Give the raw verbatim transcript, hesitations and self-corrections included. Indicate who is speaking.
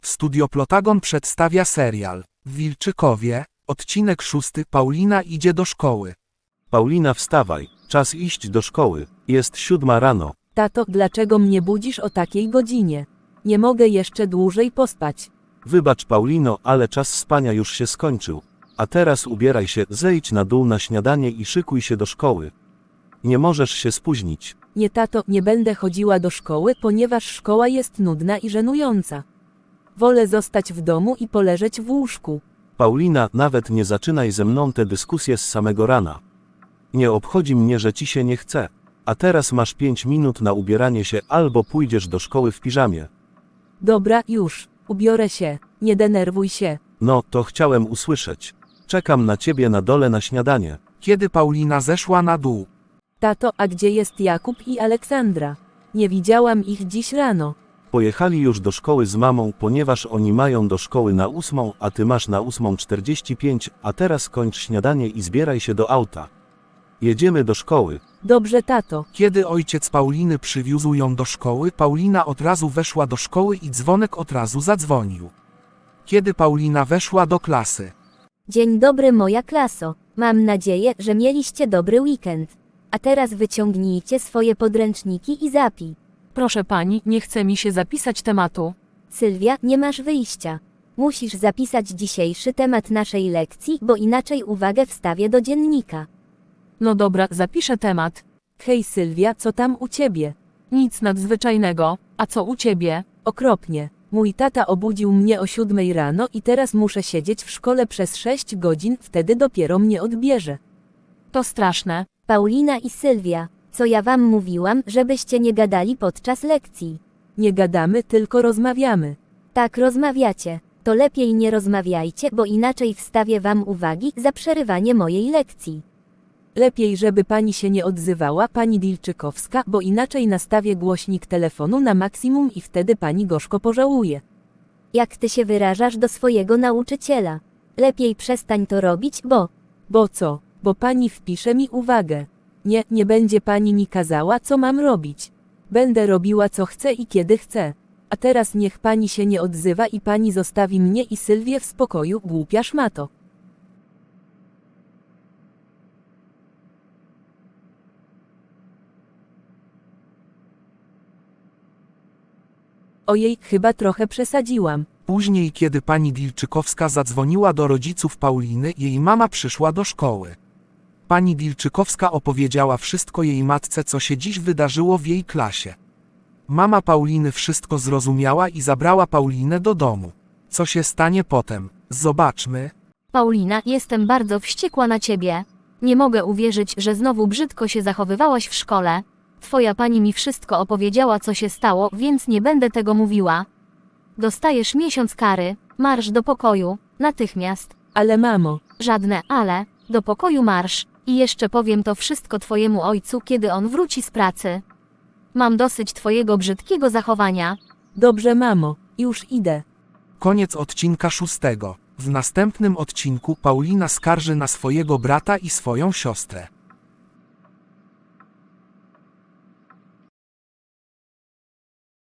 Speaker 1: Studio Plotagon przedstawia serial w Wilczykowie, odcinek szósty. Paulina idzie do szkoły.
Speaker 2: Paulina, wstawaj, czas iść do szkoły, jest siódma rano.
Speaker 3: Tato, dlaczego mnie budzisz o takiej godzinie? Nie mogę jeszcze dłużej pospać.
Speaker 2: Wybacz, Paulino, ale czas spania już się skończył. A teraz ubieraj się, zejdź na dół na śniadanie i szykuj się do szkoły. Nie możesz się spóźnić.
Speaker 3: Nie, tato, nie będę chodziła do szkoły, ponieważ szkoła jest nudna i żenująca. Wolę zostać w domu i poleżeć w łóżku.
Speaker 2: Paulina, nawet nie zaczynaj ze mną tę dyskusję z samego rana. Nie obchodzi mnie, że ci się nie chce. A teraz masz pięć minut na ubieranie się albo pójdziesz do szkoły w piżamie.
Speaker 3: Dobra, już, ubiorę się, nie denerwuj się.
Speaker 2: No, to chciałem usłyszeć. Czekam na ciebie na dole na śniadanie.
Speaker 1: Kiedy Paulina zeszła na dół.
Speaker 3: Tato, a gdzie jest Jakub i Aleksandra? Nie widziałam ich dziś rano.
Speaker 2: Pojechali już do szkoły z mamą, ponieważ oni mają do szkoły na ósmą, a ty masz na ósmą czterdzieści pięć, a teraz kończ śniadanie i zbieraj się do auta. Jedziemy do szkoły.
Speaker 3: Dobrze, tato.
Speaker 1: Kiedy ojciec Pauliny przywiózł ją do szkoły, Paulina od razu weszła do szkoły i dzwonek od razu zadzwonił. Kiedy Paulina weszła do klasy.
Speaker 4: Dzień dobry, moja klaso. Mam nadzieję, że mieliście dobry weekend. A teraz wyciągnijcie swoje podręczniki i zapij.
Speaker 5: Proszę pani, nie chce mi się zapisać tematu.
Speaker 4: Sylwia, nie masz wyjścia. Musisz zapisać dzisiejszy temat naszej lekcji, bo inaczej uwagę wstawię do dziennika.
Speaker 5: No dobra, zapiszę temat.
Speaker 3: Hej Sylwia, co tam u ciebie?
Speaker 5: Nic nadzwyczajnego, a co u ciebie?
Speaker 3: Okropnie. Mój tata obudził mnie o siódmej rano i teraz muszę siedzieć w szkole przez sześć godzin, wtedy dopiero mnie odbierze.
Speaker 5: To straszne.
Speaker 4: Paulina i Sylwia, co ja wam mówiłam, żebyście nie gadali podczas lekcji.
Speaker 3: Nie gadamy, tylko rozmawiamy.
Speaker 4: Tak rozmawiacie. To lepiej nie rozmawiajcie, bo inaczej wstawię wam uwagi za przerywanie mojej lekcji.
Speaker 3: Lepiej, żeby pani się nie odzywała, pani Wilczykowska, bo inaczej nastawię głośnik telefonu na maksimum i wtedy pani gorzko pożałuje.
Speaker 4: Jak ty się wyrażasz do swojego nauczyciela? Lepiej przestań to robić, bo...
Speaker 3: Bo co? Bo pani wpisze mi uwagę. Nie, nie będzie pani mi kazała, co mam robić. Będę robiła co chcę i kiedy chcę. A teraz niech pani się nie odzywa i pani zostawi mnie i Sylwię w spokoju, głupia szmato. Ojej, chyba trochę przesadziłam.
Speaker 1: Później, kiedy pani Wilczykowska zadzwoniła do rodziców Pauliny, jej mama przyszła do szkoły. Pani Wilczykowska opowiedziała wszystko jej matce, co się dziś wydarzyło w jej klasie. Mama Pauliny wszystko zrozumiała i zabrała Paulinę do domu. Co się stanie potem? Zobaczmy.
Speaker 5: Paulina, jestem bardzo wściekła na ciebie. Nie mogę uwierzyć, że znowu brzydko się zachowywałaś w szkole. Twoja pani mi wszystko opowiedziała, co się stało, więc nie będę tego mówiła. Dostajesz miesiąc kary, marsz do pokoju, natychmiast.
Speaker 3: Ale mamo,
Speaker 5: Żadne ale, do pokoju marsz. I jeszcze powiem to wszystko twojemu ojcu, kiedy on wróci z pracy. Mam dosyć twojego brzydkiego zachowania.
Speaker 3: dobrze mamo, już idę.
Speaker 1: Koniec odcinka szóstego. W następnym odcinku Paulina skarży na swojego brata i swoją siostrę.